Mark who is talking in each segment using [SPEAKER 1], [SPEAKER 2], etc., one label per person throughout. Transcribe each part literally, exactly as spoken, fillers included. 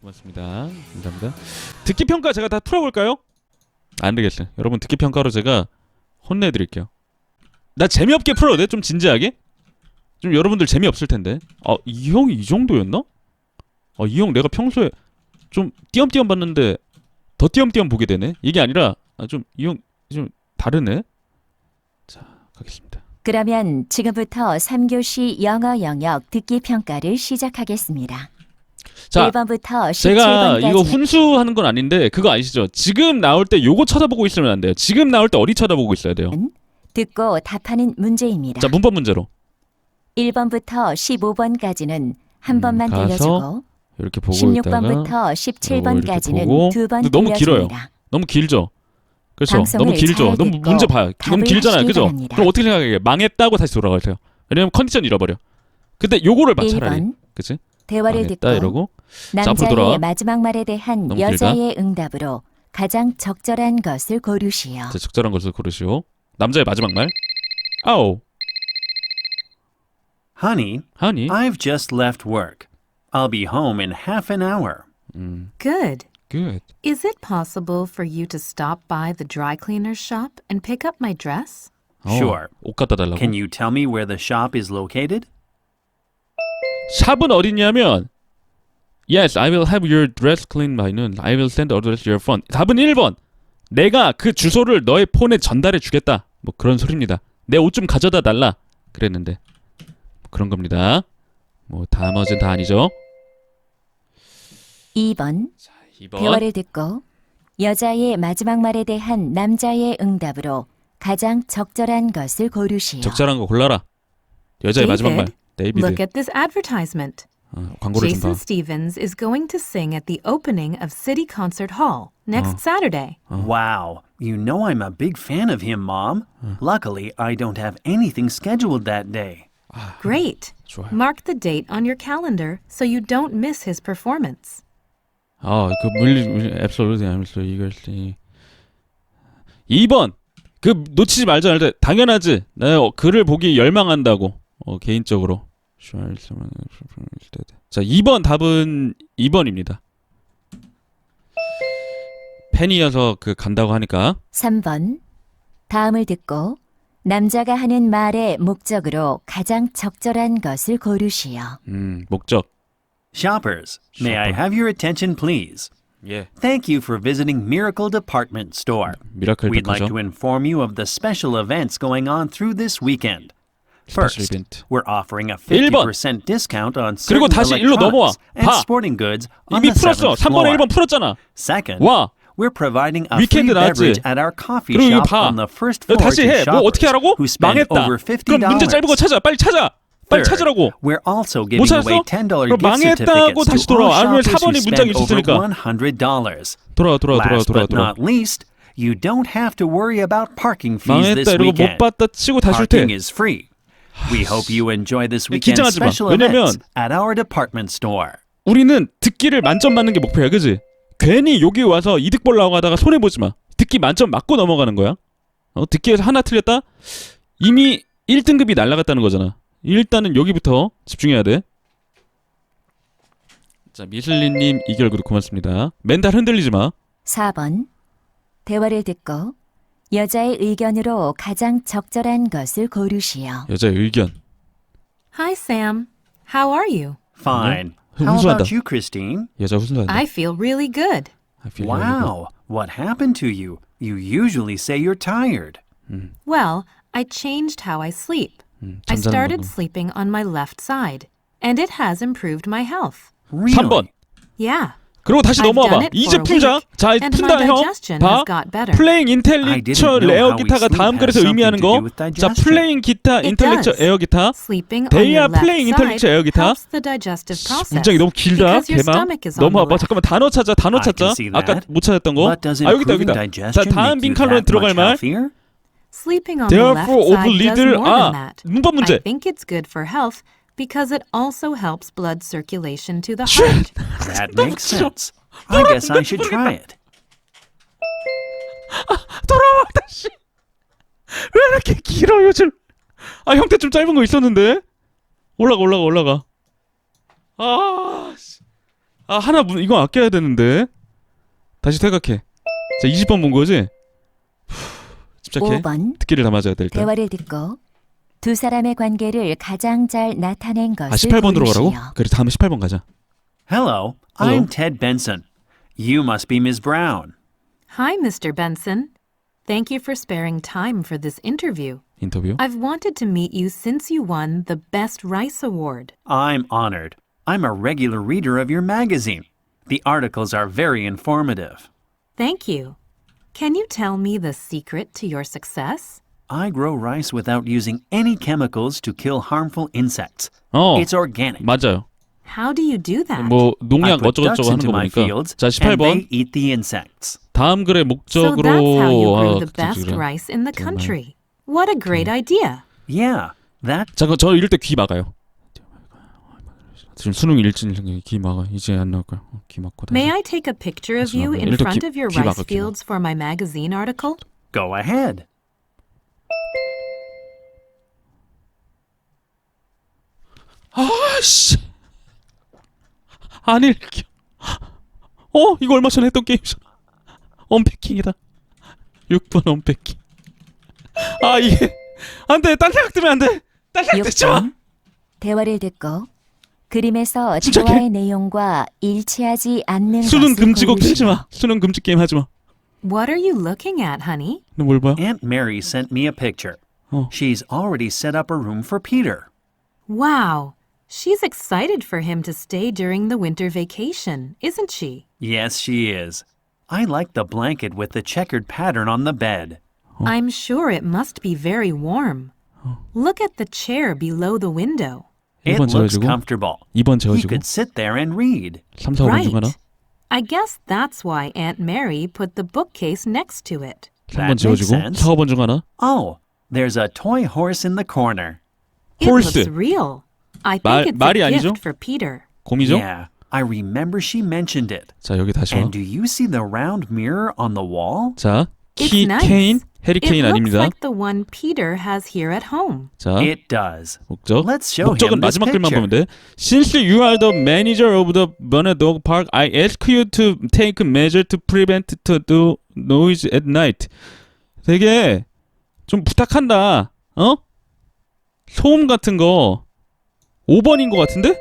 [SPEAKER 1] 고맙습니다. 감사합니다. 듣기 평가 제가 다 풀어볼까요? 안 되겠어요. 여러분 듣기 평가로 제가 혼내드릴게요. 나 재미없게 풀어도 돼? 좀 진지하게? 좀 여러분들 재미없을 텐데. 아, 이 형이 이 정도였나? 아, 이 형 내가 평소에 좀 띄엄띄엄 봤는데 더 띄엄띄엄 보게 되네. 이게 아니라 아, 좀 이 형 좀 다르네. 자, 가겠습니다.
[SPEAKER 2] 그러면 지금부터 삼 교시 영어 영역 듣기 평가를 시작하겠습니다.
[SPEAKER 1] 자,
[SPEAKER 2] 일 번부터
[SPEAKER 1] 제가
[SPEAKER 2] 십칠 번까지
[SPEAKER 1] 이거 훈수하는 건 아닌데 그거 아시죠? 지금 나올 때 요거 쳐다보고 있으면 안 돼요. 지금 나올 때 어디 쳐다보고 있어야 돼요.
[SPEAKER 2] 듣고 답하는 문제입니다.
[SPEAKER 1] 자, 문법 문제로
[SPEAKER 2] 일 번부터 십오 번까지는 한
[SPEAKER 1] 음,
[SPEAKER 2] 번만
[SPEAKER 1] 가서
[SPEAKER 2] 들려주고
[SPEAKER 1] 이렇게 보고
[SPEAKER 2] 십육
[SPEAKER 1] 있다가
[SPEAKER 2] 번부터 십칠 번까지는
[SPEAKER 1] 보고.
[SPEAKER 2] 두 번
[SPEAKER 1] 근데 너무 길어요.
[SPEAKER 2] 들려줍니다.
[SPEAKER 1] 너무 길죠? 그렇죠?
[SPEAKER 2] 방송을
[SPEAKER 1] 너무 길죠?
[SPEAKER 2] 잘
[SPEAKER 1] 너무
[SPEAKER 2] 듣고
[SPEAKER 1] 문제 봐요. 너무
[SPEAKER 2] 답을
[SPEAKER 1] 길잖아요.
[SPEAKER 2] 하시기
[SPEAKER 1] 그죠?
[SPEAKER 2] 바랍니다.
[SPEAKER 1] 그럼 어떻게 생각해? 망했다고 다시 돌아가세요. 왜냐면 컨디션 잃어버려. 근데 요거를 봐 차라리.
[SPEAKER 2] 일 번
[SPEAKER 1] 그치?
[SPEAKER 2] 대화를
[SPEAKER 1] 망했다
[SPEAKER 2] 듣고
[SPEAKER 1] 이러고 자, 앞으로 돌아와.
[SPEAKER 2] 남자의 마지막 말에 대한
[SPEAKER 1] 너무
[SPEAKER 2] 여자의 응답으로 가장 적절한 것을 고르시오.
[SPEAKER 1] 자, 적절한 것을 고르시오. 남자의 마지막 말. 아오.
[SPEAKER 3] Honey,
[SPEAKER 1] 하니?
[SPEAKER 3] I've just left work. I'll be home in half an hour.
[SPEAKER 1] 음,
[SPEAKER 4] Good.
[SPEAKER 1] good.
[SPEAKER 4] Is it possible for you to stop by the dry cleaner's shop and pick up my dress?
[SPEAKER 1] 어,
[SPEAKER 3] Sure.
[SPEAKER 1] 옷 갖다 달라고.
[SPEAKER 3] Can you tell me where the shop is located?
[SPEAKER 1] 샵은 어디냐면 Yes, I will have your dress cleaned by noon. I will send address to your phone. 답은 일 번. 내가 그 주소를 너의 폰에 전달해 주겠다. 뭐 그런 소리입니다. 내 옷 좀 가져다 달라. 그랬는데 그런 겁니다. 뭐 나머지는 다 아니죠.
[SPEAKER 2] 이 번
[SPEAKER 1] 이 번.
[SPEAKER 2] 대화를 듣고 여자의 마지막 말에 대한 남자의 응답으로 가장 적절한 것을 고르시오.
[SPEAKER 1] 적절한 거 골라라. 여자의 마지막 말. 데이비드.
[SPEAKER 4] Look at this advertisement.
[SPEAKER 1] 어, 광고를 좀
[SPEAKER 4] Jason
[SPEAKER 1] 봐.
[SPEAKER 4] Stevens is going to sing at the opening of City Concert Hall next Saturday.
[SPEAKER 3] Wow, you know I'm a big fan of him, Mom. Luckily, I don't have anything scheduled that day.
[SPEAKER 4] Great.
[SPEAKER 1] 좋아요.
[SPEAKER 4] Mark the date on your calendar so you don't miss his performance.
[SPEAKER 1] 아, 그 물리 물리 absolutely absolutely 이것이 이 번. 그 놓치지 말자 할 때 당연하지. 나 그를 보기 열망한다고. 어, 개인적으로. 자, 이 번 답은 이 번입니다. 팬이어서 그 간다고 하니까
[SPEAKER 2] 삼 번 다음을 듣고 남자가 하는 말의 목적으로 가장 적절한 것을 고르시오.
[SPEAKER 1] 음, 목적.
[SPEAKER 3] Shoppers, may I have your attention, please?
[SPEAKER 1] 예.
[SPEAKER 3] Thank you for visiting Miracle Department Store.
[SPEAKER 1] 미라클
[SPEAKER 3] We'd like
[SPEAKER 1] 백화점.
[SPEAKER 3] to inform you of the special events going on through this weekend.
[SPEAKER 1] 스페셜
[SPEAKER 3] First,
[SPEAKER 1] 이벤트.
[SPEAKER 3] we're offering a
[SPEAKER 1] 일 번.
[SPEAKER 3] fifty percent discount on
[SPEAKER 1] 그리고
[SPEAKER 3] certain
[SPEAKER 1] 다시 일로 넘어와.
[SPEAKER 3] electronics and
[SPEAKER 1] 봐.
[SPEAKER 3] sporting goods on
[SPEAKER 1] 이미
[SPEAKER 3] the
[SPEAKER 1] 풀었어.
[SPEAKER 3] seventh
[SPEAKER 1] 삼 번에 일
[SPEAKER 3] floor.
[SPEAKER 1] 번 풀었잖아.
[SPEAKER 3] Second,
[SPEAKER 1] 와.
[SPEAKER 3] we're providing a
[SPEAKER 1] 위켄드
[SPEAKER 3] free
[SPEAKER 1] 나왔지.
[SPEAKER 3] beverage at our coffee
[SPEAKER 1] 그리고 이거
[SPEAKER 3] shop
[SPEAKER 1] 봐.
[SPEAKER 3] on the first
[SPEAKER 1] 여기
[SPEAKER 3] floor
[SPEAKER 1] 다시
[SPEAKER 3] to
[SPEAKER 1] 해. 뭐 어떻게
[SPEAKER 3] shoppers
[SPEAKER 1] 하라고?
[SPEAKER 3] who spend
[SPEAKER 1] 망했다.
[SPEAKER 3] over fifty
[SPEAKER 1] 그럼 문제 짧은 거
[SPEAKER 3] dollars.
[SPEAKER 1] 찾아. 빨리 찾아. 빨리
[SPEAKER 3] Third,
[SPEAKER 1] 찾으라고.
[SPEAKER 3] we're also
[SPEAKER 1] 못
[SPEAKER 3] giving away
[SPEAKER 1] 찾았어?
[SPEAKER 3] ten dollar
[SPEAKER 1] 그럼
[SPEAKER 3] gift
[SPEAKER 1] 망했다고
[SPEAKER 3] certificates
[SPEAKER 1] 다시
[SPEAKER 3] to all
[SPEAKER 1] 돌아와. 아니면
[SPEAKER 3] shoppers
[SPEAKER 1] 사
[SPEAKER 3] who
[SPEAKER 1] 번이 문장이
[SPEAKER 3] spend over
[SPEAKER 1] 있으니까.
[SPEAKER 3] one hundred dollars.
[SPEAKER 1] 돌아와 돌아와 돌아와
[SPEAKER 3] Last
[SPEAKER 1] 돌아와
[SPEAKER 3] but
[SPEAKER 1] 돌아와.
[SPEAKER 3] not least, you don't have to worry about parking fees this
[SPEAKER 1] 망했다 이러고 못
[SPEAKER 3] weekend.
[SPEAKER 1] 봤다 치고 다시 올 때.
[SPEAKER 3] Parking is free. We hope you enjoy this weekend's
[SPEAKER 1] 긴장하지 마.
[SPEAKER 3] special
[SPEAKER 1] 왜냐면
[SPEAKER 3] events at our department store.
[SPEAKER 1] 우리는 듣기를 만점 맞는 게 목표야, 그지? 괜히 여기 와서 이득 보려고 하다가 손해 보지 마. 듣기 만점 맞고 넘어가는 거야. 어, 듣기에서 하나 틀렸다? 이미 일 등급이 날아갔다는 거잖아. 일단은 여기부터 집중해야 돼. 자, 미슬리님 이결 그룹 고맙습니다. 멘탈 흔들리지 마.
[SPEAKER 2] 사 번 대화를 듣고 여자의 의견으로 가장 적절한 것을 고르시오.
[SPEAKER 1] 여자의 의견.
[SPEAKER 4] Hi, Sam. How are you?
[SPEAKER 3] Fine.
[SPEAKER 1] 음,
[SPEAKER 3] How
[SPEAKER 1] 훈수한다.
[SPEAKER 3] about you, Christine?
[SPEAKER 1] 여자 훈수한다.
[SPEAKER 4] I feel really good.
[SPEAKER 1] I feel really
[SPEAKER 3] Wow. What happened to you? You usually say you're tired.
[SPEAKER 4] Well, I changed how I sleep.
[SPEAKER 1] good. 음,
[SPEAKER 4] I
[SPEAKER 1] 잠자는
[SPEAKER 4] started
[SPEAKER 1] 방법.
[SPEAKER 4] sleeping on my left side, and it has improved my health.
[SPEAKER 3] Really?
[SPEAKER 1] 삼 번.
[SPEAKER 4] Yeah.
[SPEAKER 1] 그리고 다시
[SPEAKER 4] I've
[SPEAKER 1] 넘어와 봐.
[SPEAKER 4] done it
[SPEAKER 1] 이제
[SPEAKER 4] for a
[SPEAKER 1] 풀자.
[SPEAKER 4] week,
[SPEAKER 1] 자,
[SPEAKER 4] and
[SPEAKER 1] 푼다
[SPEAKER 4] my
[SPEAKER 1] 형.
[SPEAKER 4] digestion
[SPEAKER 1] 봐.
[SPEAKER 4] has got better.
[SPEAKER 1] 플레잉
[SPEAKER 3] I
[SPEAKER 1] 인텔렉처
[SPEAKER 3] didn't know
[SPEAKER 1] 에어
[SPEAKER 3] how we
[SPEAKER 1] 기타가
[SPEAKER 3] sleep
[SPEAKER 1] 다음
[SPEAKER 3] has
[SPEAKER 1] 글에서 의미하는
[SPEAKER 3] something to
[SPEAKER 1] 거.
[SPEAKER 3] do with
[SPEAKER 1] 자,
[SPEAKER 3] digestion.
[SPEAKER 1] 플레잉 기타
[SPEAKER 4] It
[SPEAKER 1] 인텔렉처
[SPEAKER 4] does.
[SPEAKER 1] 에어 기타.
[SPEAKER 4] Sleeping on
[SPEAKER 1] They
[SPEAKER 4] your
[SPEAKER 1] are
[SPEAKER 4] left
[SPEAKER 1] playing
[SPEAKER 4] side
[SPEAKER 1] intellectual 에어 기타.
[SPEAKER 4] helps the digestive process
[SPEAKER 1] 문장이 너무 길다.
[SPEAKER 4] because your
[SPEAKER 1] 대박.
[SPEAKER 4] stomach is on the
[SPEAKER 1] 넘어와봐.
[SPEAKER 4] left.
[SPEAKER 1] 잠깐만 단어 찾아. 단어
[SPEAKER 3] I
[SPEAKER 1] 찾자.
[SPEAKER 3] can see
[SPEAKER 1] 아까
[SPEAKER 3] that.
[SPEAKER 1] 못 찾았던 거.
[SPEAKER 3] But does
[SPEAKER 1] 아, 여기다
[SPEAKER 3] improving
[SPEAKER 1] 여기다. 자,
[SPEAKER 3] digestion
[SPEAKER 1] 다음
[SPEAKER 3] make you
[SPEAKER 1] 빈칸론에
[SPEAKER 3] that
[SPEAKER 1] 들어갈
[SPEAKER 3] much
[SPEAKER 1] 말.
[SPEAKER 3] healthier?
[SPEAKER 4] Sleeping on the left
[SPEAKER 1] Therefore, of
[SPEAKER 4] side does
[SPEAKER 1] little
[SPEAKER 4] more than
[SPEAKER 1] 아,
[SPEAKER 4] that.
[SPEAKER 1] 문법 문제.
[SPEAKER 4] I think it's good for health because it also helps blood circulation to the heart.
[SPEAKER 3] That makes sense. I guess I should try it.
[SPEAKER 1] 돌아와 다시. 왜 이렇게 길어 요즘? 아, 형태 좀 짧은 거 있었는데. 올라가 올라가 올라가. 아, 씨. 아 하나 문- 이거 아껴야 되는데. 다시 생각해. 자 이십 번 본 거지? 후, 집착해.
[SPEAKER 2] 오 번.
[SPEAKER 1] 듣기를 다 맞아야 돼 일단.
[SPEAKER 2] 대화를 듣고 두 사람의 관계를 가장 잘 나타낸 것을
[SPEAKER 1] 아 십팔 번으로
[SPEAKER 2] 고르시오.
[SPEAKER 1] 가라고? 그래 다음에 십팔 번 가자.
[SPEAKER 3] Hello,
[SPEAKER 1] Hello.
[SPEAKER 3] I'm Ted Benson. You must be Miss Brown.
[SPEAKER 4] Hi, Mister Benson. Thank you for sparing time for this interview.
[SPEAKER 1] 인터뷰.
[SPEAKER 4] I've wanted to meet you since you won the Best Rice Award.
[SPEAKER 3] I'm honored. I'm a regular reader of your magazine. The articles are very informative.
[SPEAKER 4] Thank you. Can you tell me the secret to your success?
[SPEAKER 3] I grow rice without using any chemicals to kill harmful insects.
[SPEAKER 1] 어
[SPEAKER 3] It's organic.
[SPEAKER 1] 맞아요.
[SPEAKER 4] How do you do that?
[SPEAKER 1] 뭐
[SPEAKER 3] I
[SPEAKER 1] 농약
[SPEAKER 3] put
[SPEAKER 1] 어쩌고
[SPEAKER 3] ducks
[SPEAKER 1] 저쩌고 하는
[SPEAKER 3] into
[SPEAKER 1] 거
[SPEAKER 3] my
[SPEAKER 1] 보니까.
[SPEAKER 3] fields,
[SPEAKER 1] 자 십팔
[SPEAKER 3] and
[SPEAKER 1] 번.
[SPEAKER 3] they eat the insects.
[SPEAKER 1] 다음 글의
[SPEAKER 4] so
[SPEAKER 1] 목적으로
[SPEAKER 4] that's how you grew
[SPEAKER 1] 아,
[SPEAKER 4] the
[SPEAKER 1] 그치,
[SPEAKER 4] best
[SPEAKER 1] 그래.
[SPEAKER 4] rice in the country. What a great idea.
[SPEAKER 3] Yeah, that
[SPEAKER 1] 잠깐 저 이럴 때 귀 막아요. 지금 수능 일진 귀 막아. 이제 안 나올 거야. 어, 귀 막고 다시.
[SPEAKER 4] May I take a picture of you in
[SPEAKER 1] 일단
[SPEAKER 4] front
[SPEAKER 1] 기-
[SPEAKER 4] of your
[SPEAKER 1] 귀
[SPEAKER 4] rice
[SPEAKER 1] 막아, 귀 막아.
[SPEAKER 4] fields for my magazine article?
[SPEAKER 3] go ahead.
[SPEAKER 1] 아씨. 안 읽혀. 어 이거 얼마 전에 했던 게임이잖아. 언패킹이다. 육 번 언패킹. 아 이게 안돼. 딴 생각 뜨면 안돼. 딴 생각 듣지 마.
[SPEAKER 2] 육 번. 대화를 듣고 그림에서
[SPEAKER 1] 침착해.
[SPEAKER 2] 대화의 내용과 일치하지 않는
[SPEAKER 1] 수능
[SPEAKER 2] 것을
[SPEAKER 1] 금지곡
[SPEAKER 2] 고르시오.
[SPEAKER 1] 틀지 마. 수능 금지 게임 하지 마.
[SPEAKER 4] What are you looking at, honey?
[SPEAKER 1] 너 뭘 봐?
[SPEAKER 3] Aunt Mary sent me a picture.
[SPEAKER 1] Oh.
[SPEAKER 3] She's already set up a room for Peter.
[SPEAKER 4] Wow. She's excited for him to stay during the winter vacation, isn't she?
[SPEAKER 3] Yes, she is. I like the blanket with the checkered pattern on the bed.
[SPEAKER 4] I'm sure it must be very warm. Look at the chair below the window.
[SPEAKER 3] It
[SPEAKER 1] 일 번
[SPEAKER 3] looks
[SPEAKER 1] 지워지고
[SPEAKER 3] comfortable.
[SPEAKER 1] 이 번
[SPEAKER 3] He
[SPEAKER 1] 지워지고
[SPEAKER 3] could sit there and read.
[SPEAKER 1] 삼, 사, 오 번 중 하나.
[SPEAKER 4] Right. I guess that's why Aunt Mary put the bookcase next to it.
[SPEAKER 1] 삼 번
[SPEAKER 3] That makes
[SPEAKER 1] 지워지고
[SPEAKER 3] sense.
[SPEAKER 1] 사, 오 번 중 하나.
[SPEAKER 3] Oh, there's a toy horse in the corner.
[SPEAKER 4] It
[SPEAKER 1] Horse.
[SPEAKER 4] looks real. I think
[SPEAKER 1] 말-
[SPEAKER 4] it's
[SPEAKER 1] 말이
[SPEAKER 4] a
[SPEAKER 1] 아니죠?
[SPEAKER 4] gift for Peter.
[SPEAKER 1] 곰이죠?
[SPEAKER 3] Yeah, I remember she mentioned it.
[SPEAKER 1] 자 여기 다시 와.
[SPEAKER 3] And do you see the round mirror on the wall?
[SPEAKER 1] 자
[SPEAKER 4] It's
[SPEAKER 1] 키
[SPEAKER 4] nice.
[SPEAKER 1] 케인 해리
[SPEAKER 4] It
[SPEAKER 1] 케인
[SPEAKER 4] looks
[SPEAKER 1] 아닙니다.
[SPEAKER 4] like the one Peter has here at home.
[SPEAKER 1] 자
[SPEAKER 3] It does.
[SPEAKER 1] 목적.
[SPEAKER 3] Let's show
[SPEAKER 1] 목적은
[SPEAKER 3] him this
[SPEAKER 1] 마지막 글만
[SPEAKER 3] picture.
[SPEAKER 1] 보면 돼. Since you are the manager of the Bonnet Dog Park, I ask you to take measure to prevent to do noise at night. 되게 좀 부탁한다. 어? 소음 같은 거 오 번인 것 같은데?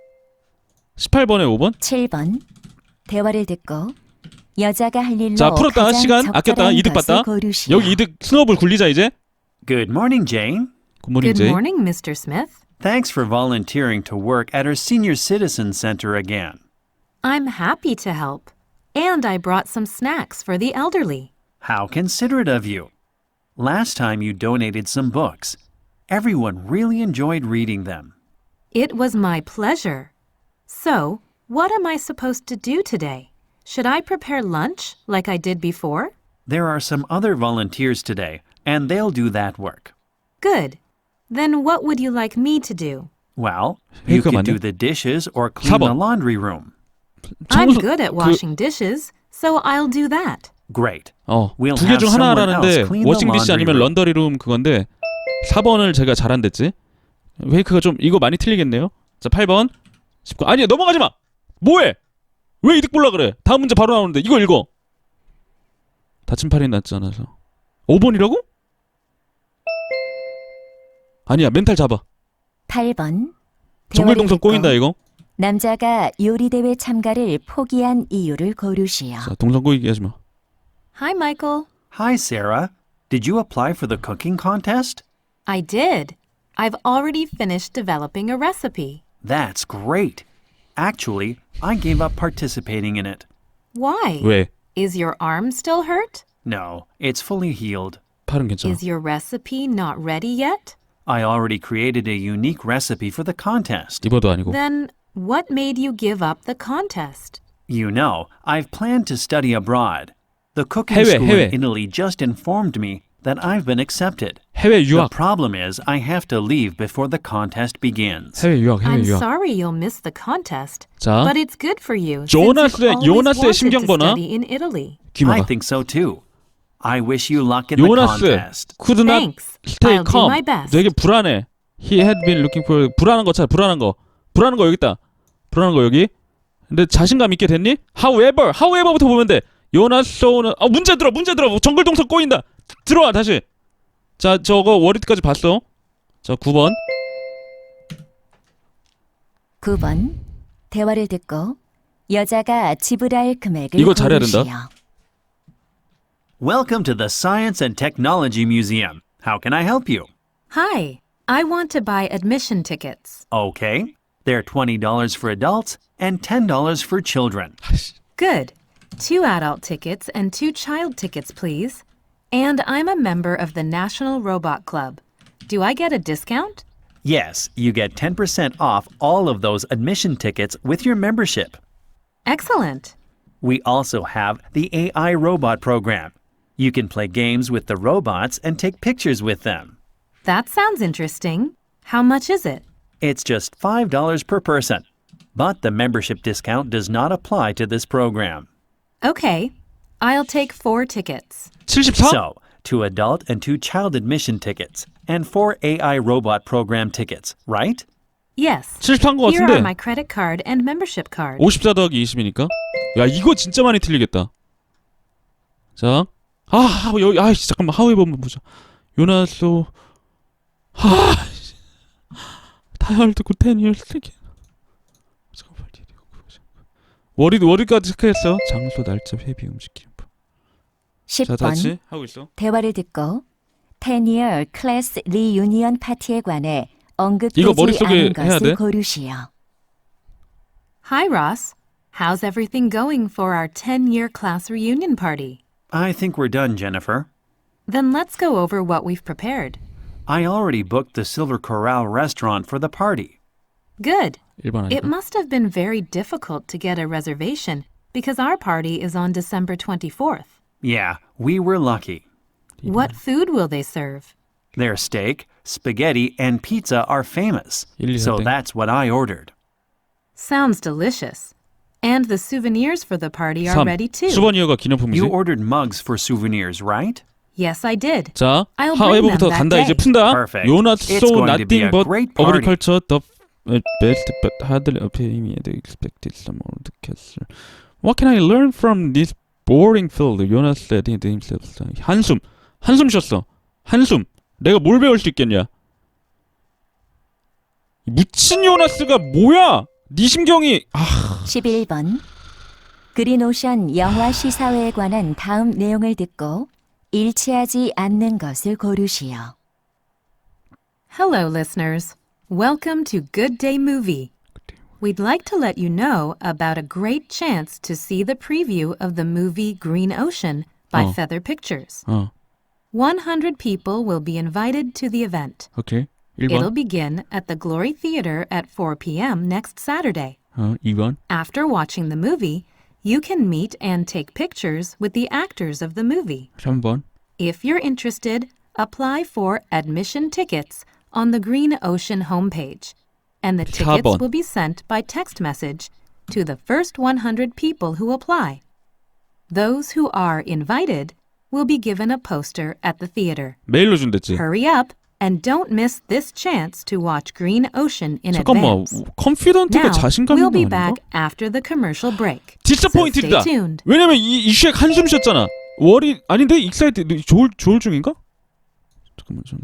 [SPEAKER 1] 십팔 번에 오 번?
[SPEAKER 2] 칠 번. 대화를 듣고 여자가 할 일로
[SPEAKER 1] 자, 풀었다.
[SPEAKER 2] 가장
[SPEAKER 1] 시간
[SPEAKER 2] 적절한
[SPEAKER 1] 아꼈다. 이득
[SPEAKER 2] 것을
[SPEAKER 1] 봤다.
[SPEAKER 2] 고르시오.
[SPEAKER 1] 여기 이득 스노우볼 굴리자 이제.
[SPEAKER 3] Good morning, Jane.
[SPEAKER 1] 굿모닝
[SPEAKER 4] Good
[SPEAKER 1] 제이.
[SPEAKER 4] morning, Mister Smith.
[SPEAKER 3] Thanks for volunteering to work at our senior citizen center again.
[SPEAKER 4] I'm happy to help. And I brought some snacks for the elderly.
[SPEAKER 3] How considerate of you. Last time you donated some books. Everyone really enjoyed reading them.
[SPEAKER 4] It was my pleasure. So, what am I supposed to do today? Should I prepare lunch like I did before?
[SPEAKER 3] There are some other volunteers today, and they'll do that work.
[SPEAKER 4] Good. Then what would you like me to do?
[SPEAKER 3] Well, you
[SPEAKER 1] 회의가
[SPEAKER 3] could do
[SPEAKER 1] 많네.
[SPEAKER 3] the dishes or clean
[SPEAKER 1] 사 번.
[SPEAKER 3] the laundry room.
[SPEAKER 4] I'm
[SPEAKER 1] 청소-
[SPEAKER 4] good at
[SPEAKER 1] 그-
[SPEAKER 4] washing dishes, so I'll do that.
[SPEAKER 3] Great.
[SPEAKER 1] 어,
[SPEAKER 3] We'll
[SPEAKER 1] 두 개
[SPEAKER 3] have
[SPEAKER 1] 중
[SPEAKER 3] someone
[SPEAKER 1] 하나라는데
[SPEAKER 3] else clean the
[SPEAKER 1] 워싱디시
[SPEAKER 3] laundry
[SPEAKER 1] 아니면
[SPEAKER 3] room.
[SPEAKER 1] 런더리룸 그건데 사 번을 제가 잘한댔지. 웨이크가 좀 이거 많이 틀리겠네요. 자, 팔 번. 십 번. 아니야, 넘어가지 마. 뭐해? 왜 이득 볼라 그래? 다음 문제 바로 나오는데 이거 읽어. 다친 팔이 낫지 않아서. 오 번이라고? 아니야, 멘탈 잡아.
[SPEAKER 2] 팔 번.
[SPEAKER 1] 정글동선 꼬인다 이거.
[SPEAKER 2] 남자가 요리 대회 참가를 포기한 이유를 고르시오.
[SPEAKER 1] 자, 동선 꼬이게 하지 마.
[SPEAKER 4] Hi, Michael.
[SPEAKER 3] Hi, Sarah. Did you apply for the cooking contest?
[SPEAKER 4] I did. I've already finished developing a recipe.
[SPEAKER 3] That's great. Actually, I gave up participating in it.
[SPEAKER 4] Why?
[SPEAKER 1] 왜?
[SPEAKER 4] Is your arm still hurt?
[SPEAKER 3] No, it's fully healed.
[SPEAKER 1] 팔은 괜찮아.
[SPEAKER 4] Is your recipe not ready yet?
[SPEAKER 3] I already created a unique recipe for the contest.
[SPEAKER 1] 이번도 아니고.
[SPEAKER 4] Then what made you give up the contest?
[SPEAKER 3] You know, I've planned to study abroad. The cooking
[SPEAKER 1] 해외,
[SPEAKER 3] school
[SPEAKER 1] 해외.
[SPEAKER 3] in Italy just informed me that I've been accepted.
[SPEAKER 1] 해외
[SPEAKER 3] The
[SPEAKER 1] 유학.
[SPEAKER 3] problem is I have to leave before the contest begins.
[SPEAKER 1] 해외 유학, 해외
[SPEAKER 4] I'm
[SPEAKER 1] 유학.
[SPEAKER 4] sorry you'll miss the contest,
[SPEAKER 1] 자,
[SPEAKER 4] but it's good for you
[SPEAKER 1] 조나스의-
[SPEAKER 4] since you've always
[SPEAKER 1] 요나스의
[SPEAKER 4] wanted
[SPEAKER 1] 심경
[SPEAKER 4] to
[SPEAKER 1] 보나?
[SPEAKER 4] study in Italy.
[SPEAKER 1] 귀
[SPEAKER 3] I
[SPEAKER 1] 막아.
[SPEAKER 3] think so too. I wish you luck in the
[SPEAKER 1] 요나스
[SPEAKER 3] contest.
[SPEAKER 1] could not
[SPEAKER 4] Thanks.
[SPEAKER 1] stay
[SPEAKER 4] I'll do
[SPEAKER 1] calm.
[SPEAKER 4] my best.
[SPEAKER 1] 되게 불안해. He had been looking for 불안한 거 찾아. 불안한 거. 불안한 거 여기 있다. 불안한 거 여기. 근데 자신감 있게 됐니? However, however부터 보면 돼. 요나소는 아 문제 들어 문제 들어 정글 동선 꼬인다. 들어와 다시. 자 저거 워리드까지 봤어. 자 구 번.
[SPEAKER 2] 구 번. 대화를 듣고 여자가 지불할 금액을
[SPEAKER 1] 이거 잘해야
[SPEAKER 2] 고르시오.
[SPEAKER 1] 된다.
[SPEAKER 3] Welcome to the Science and Technology Museum. How can I help you?
[SPEAKER 4] Hi, I want to buy admission tickets.
[SPEAKER 3] Okay. They're twenty dollars for adults and ten dollars for children.
[SPEAKER 4] Good. Two adult tickets and two child tickets, please. And I'm a member of the National Robot Club. Do I get a discount?
[SPEAKER 3] Yes, you get ten percent off all of those admission tickets with your membership.
[SPEAKER 4] Excellent.
[SPEAKER 3] We also have the A I robot program. You can play games with the robots and take pictures with them.
[SPEAKER 4] That sounds interesting. How much is it?
[SPEAKER 3] It's just five dollars per person. But the membership discount does not apply to this program.
[SPEAKER 4] Okay, I'll take four tickets.
[SPEAKER 1] 칠십사?
[SPEAKER 3] So, two adult and two child admission tickets, and four A I robot program tickets, right?
[SPEAKER 4] Yes.
[SPEAKER 1] 칠십사인 것
[SPEAKER 4] Here are
[SPEAKER 1] 같은데.
[SPEAKER 4] my credit card and membership card.
[SPEAKER 1] 오십사 더하기 이십이니까. 야 이거 진짜 많이 틀리겠다. 자, 아 여기 아 잠깐만 하우에버 한번 보자. 요나소 하 다이얼드 구 텐 이어스 되게. 월요일 월요일까지 체크했어. 장소 날짜 회비 음식 기념품.
[SPEAKER 2] 십
[SPEAKER 1] 자
[SPEAKER 2] 번.
[SPEAKER 1] 다시 하고 있어.
[SPEAKER 2] 대화를 듣고 텐 이어 클래스 리유니언 파티에 관해
[SPEAKER 1] 이거
[SPEAKER 2] 언급되지
[SPEAKER 1] 머릿속에
[SPEAKER 2] 않은
[SPEAKER 1] 해야
[SPEAKER 2] 것을
[SPEAKER 1] 돼?
[SPEAKER 2] 고르시오.
[SPEAKER 4] Hi, Ross. How's everything going for our ten-year class reunion party?
[SPEAKER 3] I think we're done, Jennifer.
[SPEAKER 4] Then let's go over what we've prepared.
[SPEAKER 3] I already booked the Silver Corral restaurant for the party.
[SPEAKER 4] Good.
[SPEAKER 1] 일 번
[SPEAKER 4] It
[SPEAKER 1] 아니고.
[SPEAKER 4] must have been very difficult to get a reservation because our party is on December twenty-fourth.
[SPEAKER 3] Yeah, we were lucky.
[SPEAKER 4] What food will they serve?
[SPEAKER 3] Their steak, spaghetti, and pizza are famous.
[SPEAKER 1] 일, 이,
[SPEAKER 3] So
[SPEAKER 1] 사 땡.
[SPEAKER 3] that's what I ordered.
[SPEAKER 4] Sounds delicious. And the souvenirs for the party are
[SPEAKER 1] 삼.
[SPEAKER 4] ready too.
[SPEAKER 1] 수버니어가 기념품이지.
[SPEAKER 3] You ordered mugs for souvenirs, right?
[SPEAKER 4] Yes, I did.
[SPEAKER 1] 자,
[SPEAKER 4] I'll bring
[SPEAKER 1] 하웨버부터
[SPEAKER 4] them that
[SPEAKER 1] 간다.
[SPEAKER 4] day.
[SPEAKER 1] 이제 푼다.
[SPEAKER 3] Perfect.
[SPEAKER 1] You're not
[SPEAKER 3] It's
[SPEAKER 1] so
[SPEAKER 3] going to be
[SPEAKER 1] nothing
[SPEAKER 3] a
[SPEAKER 1] but
[SPEAKER 3] great party.
[SPEAKER 1] agriculture the best but hardly appearing and expected some more the castle. What can I learn from this boring field? Jonas said to himself. 한숨. 한숨 쉬었어. 한숨. 내가 뭘 배울 수 있겠냐? 묻힌 요나스가 뭐야? 네 심경이 아,
[SPEAKER 2] 십일 번. 그린오션 영화 시사회에 관한 다음 내용을 듣고 일치하지 않는 것을 고르시오.
[SPEAKER 4] Hello, listeners. Welcome to Good Day Movie. We'd like to let you know about a great chance to see the preview of the movie Green Ocean by
[SPEAKER 1] Oh.
[SPEAKER 4] Feather Pictures.
[SPEAKER 1] 어,
[SPEAKER 4] one hundred people will be invited to the event.
[SPEAKER 1] 오케이. 일
[SPEAKER 4] It'll
[SPEAKER 1] 번.
[SPEAKER 4] begin at the Glory Theater at four p.m. next Saturday.
[SPEAKER 1] 어, 이 번.
[SPEAKER 4] After watching the movie, you can meet and take pictures with the actors of the movie.
[SPEAKER 1] 삼 번.
[SPEAKER 4] If you're interested, apply for admission tickets on the Green Ocean homepage, and the
[SPEAKER 1] 사
[SPEAKER 4] tickets
[SPEAKER 1] 번.
[SPEAKER 4] will be sent by text message to the first one hundred people who apply. Those who are invited will be given a poster at the theater.
[SPEAKER 1] 메일로 준댔지.
[SPEAKER 4] Hurry up and don't miss this chance to watch Green Ocean in
[SPEAKER 1] 잠깐만.
[SPEAKER 4] advance.
[SPEAKER 1] 컨피던트가
[SPEAKER 4] Now,
[SPEAKER 1] 자신감
[SPEAKER 4] we'll
[SPEAKER 1] 있는
[SPEAKER 4] be
[SPEAKER 1] 거
[SPEAKER 4] back
[SPEAKER 1] 아닌가?
[SPEAKER 4] after the commercial break.
[SPEAKER 1] 디스포인트다.
[SPEAKER 4] So stay tuned.
[SPEAKER 1] 왜냐면 이 이슈에 한숨 쉬었잖아. 월이 아닌데 익사이트 조울 조울 중인가? 잠깐만 좀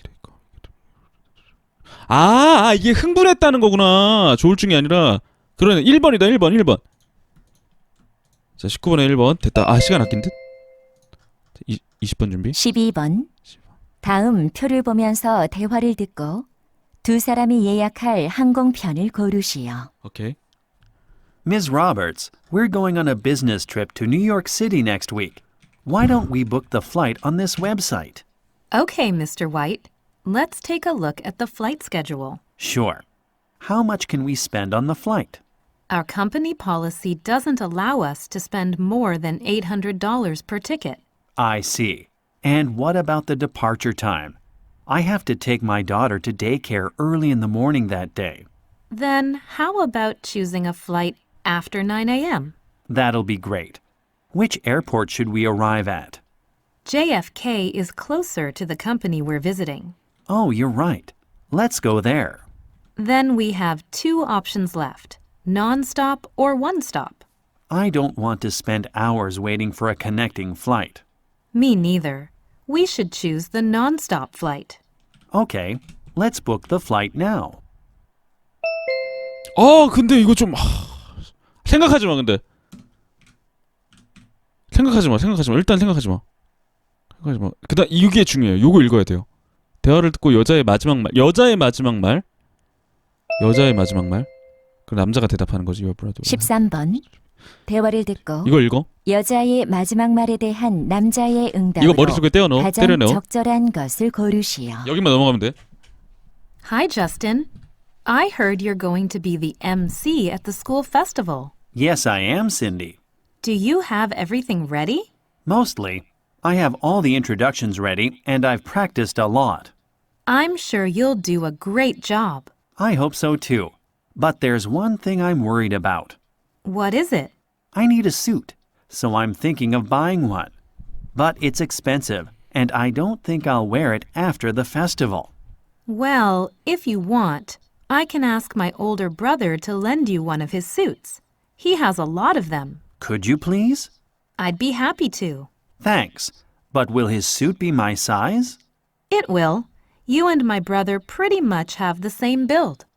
[SPEAKER 1] 아, 아 이게 흥분했다는 거구나. 조울 중이 아니라 그러네. 일 번이다. 일 번. 일 번. 자, 십구 번에 일 번 됐다. 아, 시간 아낀 듯. 이, 이십 번 준비.
[SPEAKER 2] 십이 번. 다음 표를 보면서 대화를 듣고 두 사람이 예약할 항공편을 고르시오.
[SPEAKER 1] 오케이.
[SPEAKER 3] Miz Roberts, we're going on a business trip to New York City next week. Why don't we book the flight on this website?
[SPEAKER 4] Okay, Mister White. Let's take a look at the flight schedule.
[SPEAKER 3] Sure. How much can we spend on the flight?
[SPEAKER 4] Our company policy doesn't allow us to spend more than eight hundred dollars per ticket.
[SPEAKER 3] I see. And what about the departure time? I have to take my daughter to daycare early in the morning that day.
[SPEAKER 4] Then how about choosing a flight after nine a.m.?
[SPEAKER 3] That'll be great. Which airport should we arrive at?
[SPEAKER 4] J F K is closer to the company we're visiting.
[SPEAKER 3] Oh, you're right. Let's go there.
[SPEAKER 4] Then we have two options left. non-stop or one-stop?
[SPEAKER 3] I don't want to spend hours waiting for a connecting flight.
[SPEAKER 4] Me neither. We should choose the non-stop flight.
[SPEAKER 3] Okay, let's book the flight now.
[SPEAKER 1] 어 근데 이거 좀 하... 생각하지 마 근데 생각하지 마 생각하지 마 일단 생각하지 마 생각하지 마 그다음 이게 중요해요. 요거 읽어야 돼요. 대화를 듣고 여자의 마지막 말 여자의 마지막 말 여자의 마지막 말 그 남자가 대답하는 거지. Your brother.
[SPEAKER 2] 십삼 번. 대화를 듣고
[SPEAKER 1] 이거 읽어.
[SPEAKER 2] 여자의 마지막 말에 대한 남자의
[SPEAKER 1] 이거
[SPEAKER 2] 응답으로
[SPEAKER 1] 머릿속에 떼어넣어.
[SPEAKER 2] 가장
[SPEAKER 1] 때려넣어.
[SPEAKER 2] 적절한 것을 고르시오.
[SPEAKER 1] 여기만 넘어가면 돼.
[SPEAKER 4] Hi, Justin. I heard you're going to be the M C at the school festival.
[SPEAKER 3] Yes, I am, Cindy.
[SPEAKER 4] Do you have everything ready?
[SPEAKER 3] Mostly. I have all the introductions ready, and I've practiced a lot.
[SPEAKER 4] I'm sure you'll do a great job.
[SPEAKER 3] I hope so too. But there's one thing I'm worried about.
[SPEAKER 4] What is it?
[SPEAKER 3] I need a suit, so I'm thinking of buying one. But it's expensive, and I don't think I'll wear it after the festival.
[SPEAKER 4] Well, if you want, I can ask my older brother to lend you one of his suits. He has a lot of them.
[SPEAKER 3] Could you please?
[SPEAKER 4] I'd be happy to.
[SPEAKER 3] Thanks. But will his suit be my size?
[SPEAKER 4] It will. You and my brother pretty much have the same build.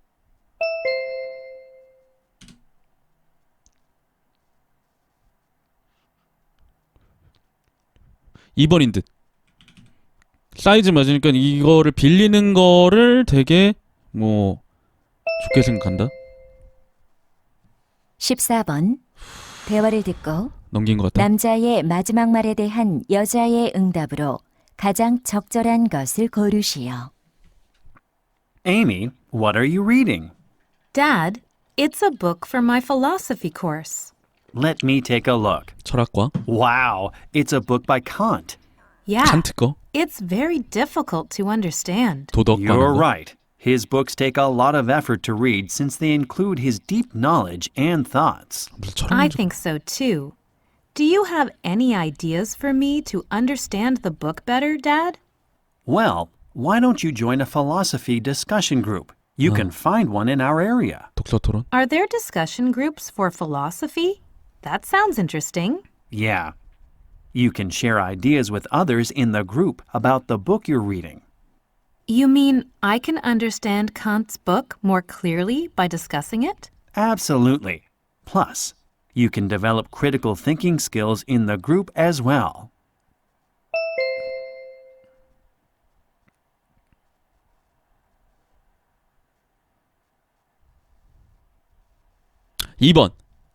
[SPEAKER 1] 이 번인 듯. 사이즈 맞으니까 이거를 빌리는 거를 되게 뭐 좋게 생각한다.
[SPEAKER 2] 십사 번. 대화를 듣고
[SPEAKER 1] 넘긴 것 같다.
[SPEAKER 2] 남자의 마지막 말에 대한 여자의 응답으로 가장 적절한 것을 고르시오.
[SPEAKER 3] Amy, what are you reading?
[SPEAKER 4] Dad, it's a book for my philosophy course.
[SPEAKER 3] Let me take a look.
[SPEAKER 1] 철학과
[SPEAKER 3] Wow, it's a book by Kant.
[SPEAKER 4] Yeah,
[SPEAKER 1] 칸트 거
[SPEAKER 4] it's very difficult to understand.
[SPEAKER 1] 도덕
[SPEAKER 3] You're
[SPEAKER 1] 관한 거.
[SPEAKER 3] right. His books take a lot of effort to read since they include his deep knowledge and thoughts.
[SPEAKER 1] 무슨 철학
[SPEAKER 4] I
[SPEAKER 1] 문제-
[SPEAKER 4] think so too. Do you have any ideas for me to understand the book better, Dad?
[SPEAKER 3] Well, why don't you join a philosophy discussion group? You can find one in our area.
[SPEAKER 1] 독서 토론.
[SPEAKER 4] Are there discussion groups for philosophy? That sounds interesting.
[SPEAKER 3] Yeah. You can share ideas with others in the group about the book you're reading.
[SPEAKER 4] You mean I can understand Kant's book more clearly by discussing it?
[SPEAKER 3] Absolutely. Plus, you can develop critical thinking skills in the group as well.
[SPEAKER 1] 이 번.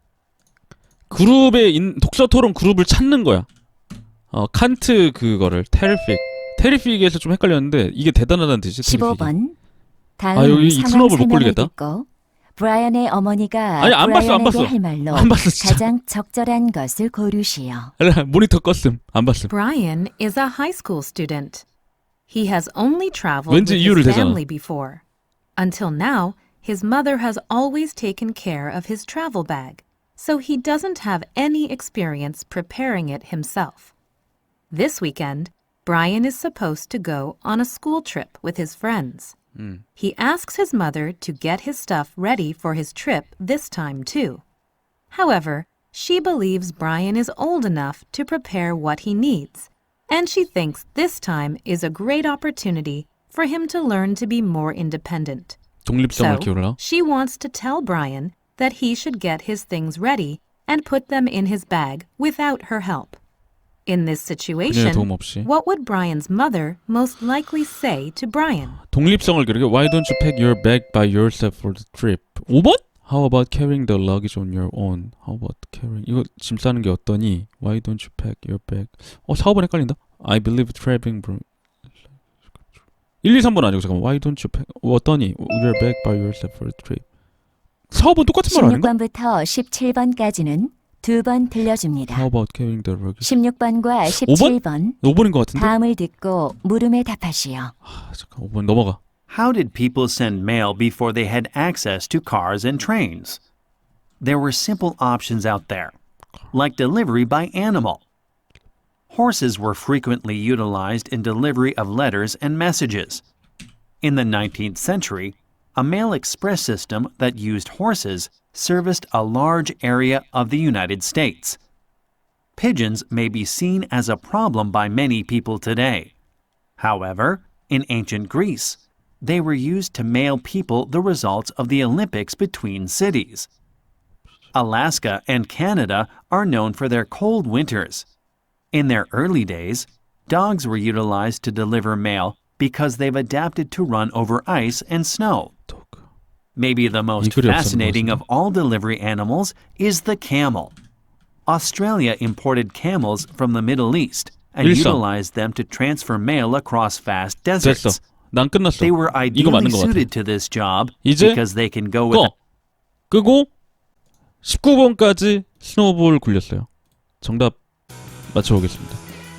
[SPEAKER 1] 그룹의 인, 독서 토론 그룹을 찾는 거야. 어, 칸트 그거를 테리픽. 테리픽에서 좀 헷갈렸는데 이게 대단하다는 뜻이지.
[SPEAKER 2] 십오
[SPEAKER 1] 테리픽이.
[SPEAKER 2] 번. 다음
[SPEAKER 1] 아, 여기 이
[SPEAKER 2] 상황
[SPEAKER 1] 스노우볼 못
[SPEAKER 2] 설명을
[SPEAKER 1] 걸리겠다.
[SPEAKER 2] 듣고 브라이언의 어머니가
[SPEAKER 1] 아니, 안 봤어, 안
[SPEAKER 2] 브라이언에게
[SPEAKER 1] 봤어.
[SPEAKER 2] 할 말로
[SPEAKER 1] 안 봤어, 진짜.
[SPEAKER 2] 가장 적절한 것을 고르시오.
[SPEAKER 1] 알아, 모니터 껐음. 안 봤음.
[SPEAKER 4] Brian is a high school student. He has only traveled
[SPEAKER 1] 왠지
[SPEAKER 4] with
[SPEAKER 1] 이유를
[SPEAKER 4] his
[SPEAKER 1] 대잖아.
[SPEAKER 4] family before. Until now, his mother has always taken care of his travel bag, so he doesn't have any experience preparing it himself. This weekend, Brian is supposed to go on a school trip with his friends. He asks his mother to get his stuff ready for his trip this time too. However, she believes Brian is old enough to prepare what he needs, and she thinks this time is a great opportunity for him to learn to be more independent.
[SPEAKER 1] 독립성을
[SPEAKER 4] So,
[SPEAKER 1] 키우라.
[SPEAKER 4] she wants to tell Brian that he should get his things ready and put them in his bag without her help. In this
[SPEAKER 1] 그녀의
[SPEAKER 4] situation,
[SPEAKER 1] 도움 없이.
[SPEAKER 4] what would Brian's mother most likely say to Brian?
[SPEAKER 1] 독립성을 기르게. Why don't you pack your bag by yourself for the trip? 오 번? How about carrying the luggage on your own? How about carrying 이거 짐 싸는 게 어떠니? Why don't you pack your bag? 어, 사, 오 번 헷갈린다. I believe traveling bro- 일, 이, 삼 번 아니고 잠깐만. Why don't you pack 어떠니? Your bag by yourself for the trip. 사, 오 번 똑같은 말 아닌가?
[SPEAKER 2] 십육 번부터 십칠 번까지는 두 번 들려줍니다.
[SPEAKER 1] How about carrying the luggage?
[SPEAKER 2] 십육 번과 십칠 번
[SPEAKER 1] 오 번인 것 같은데?
[SPEAKER 2] 다음을 듣고 물음에 답하시오.
[SPEAKER 1] 아, 잠깐 오 번 넘어가.
[SPEAKER 3] How did people send mail before they had access to cars and trains? There were simple options out there, like delivery by animal. Horses were frequently utilized in delivery of letters and messages. In the nineteenth century, a mail express system that used horses serviced a large area of the United States. Pigeons may be seen as a problem by many people today. However, in ancient Greece, they were used to mail people the results of the Olympics between cities. Alaska and Canada are known for their cold winters. In their early days, dogs were utilized to deliver mail because they've adapted to run over ice and snow. Maybe the most
[SPEAKER 1] 이 글이 없었는
[SPEAKER 3] fascinating
[SPEAKER 1] 거지.
[SPEAKER 3] of all delivery animals is the camel. Australia imported camels from the Middle East and
[SPEAKER 1] 일상.
[SPEAKER 3] utilized them to transfer mail across vast
[SPEAKER 1] 됐어.
[SPEAKER 3] deserts.
[SPEAKER 1] 난 끝났어.
[SPEAKER 3] They were
[SPEAKER 1] 이거
[SPEAKER 3] ideally
[SPEAKER 1] 맞는 것 같아.
[SPEAKER 3] suited to this job
[SPEAKER 1] 이제
[SPEAKER 3] because they can go with
[SPEAKER 1] 꺼. 끄고 십구 번까지 스노우볼 굴렸어요. 정답 맞춰보겠습니다.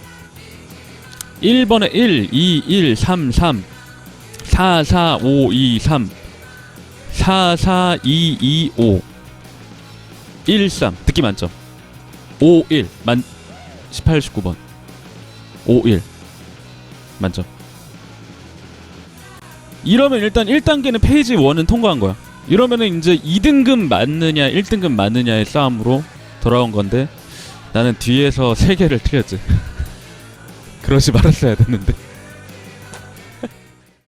[SPEAKER 1] 일 번에 일, 이, 일, 삼, 삼, 사, 사, 오, 이, 삼, 사, 사, 이, 이, 오, 일, 삼 듣기 만점 오, 일 만 십팔, 십구 번 오, 일 만점. 이러면 일단 일 단계는 페이지 일은 통과한 거야. 이러면은 이제 이 등급 맞느냐 일 등급 맞느냐의 싸움으로 돌아온 건데 나는 뒤에서 세 개를 틀렸지. 그러지 말았어야 됐는데.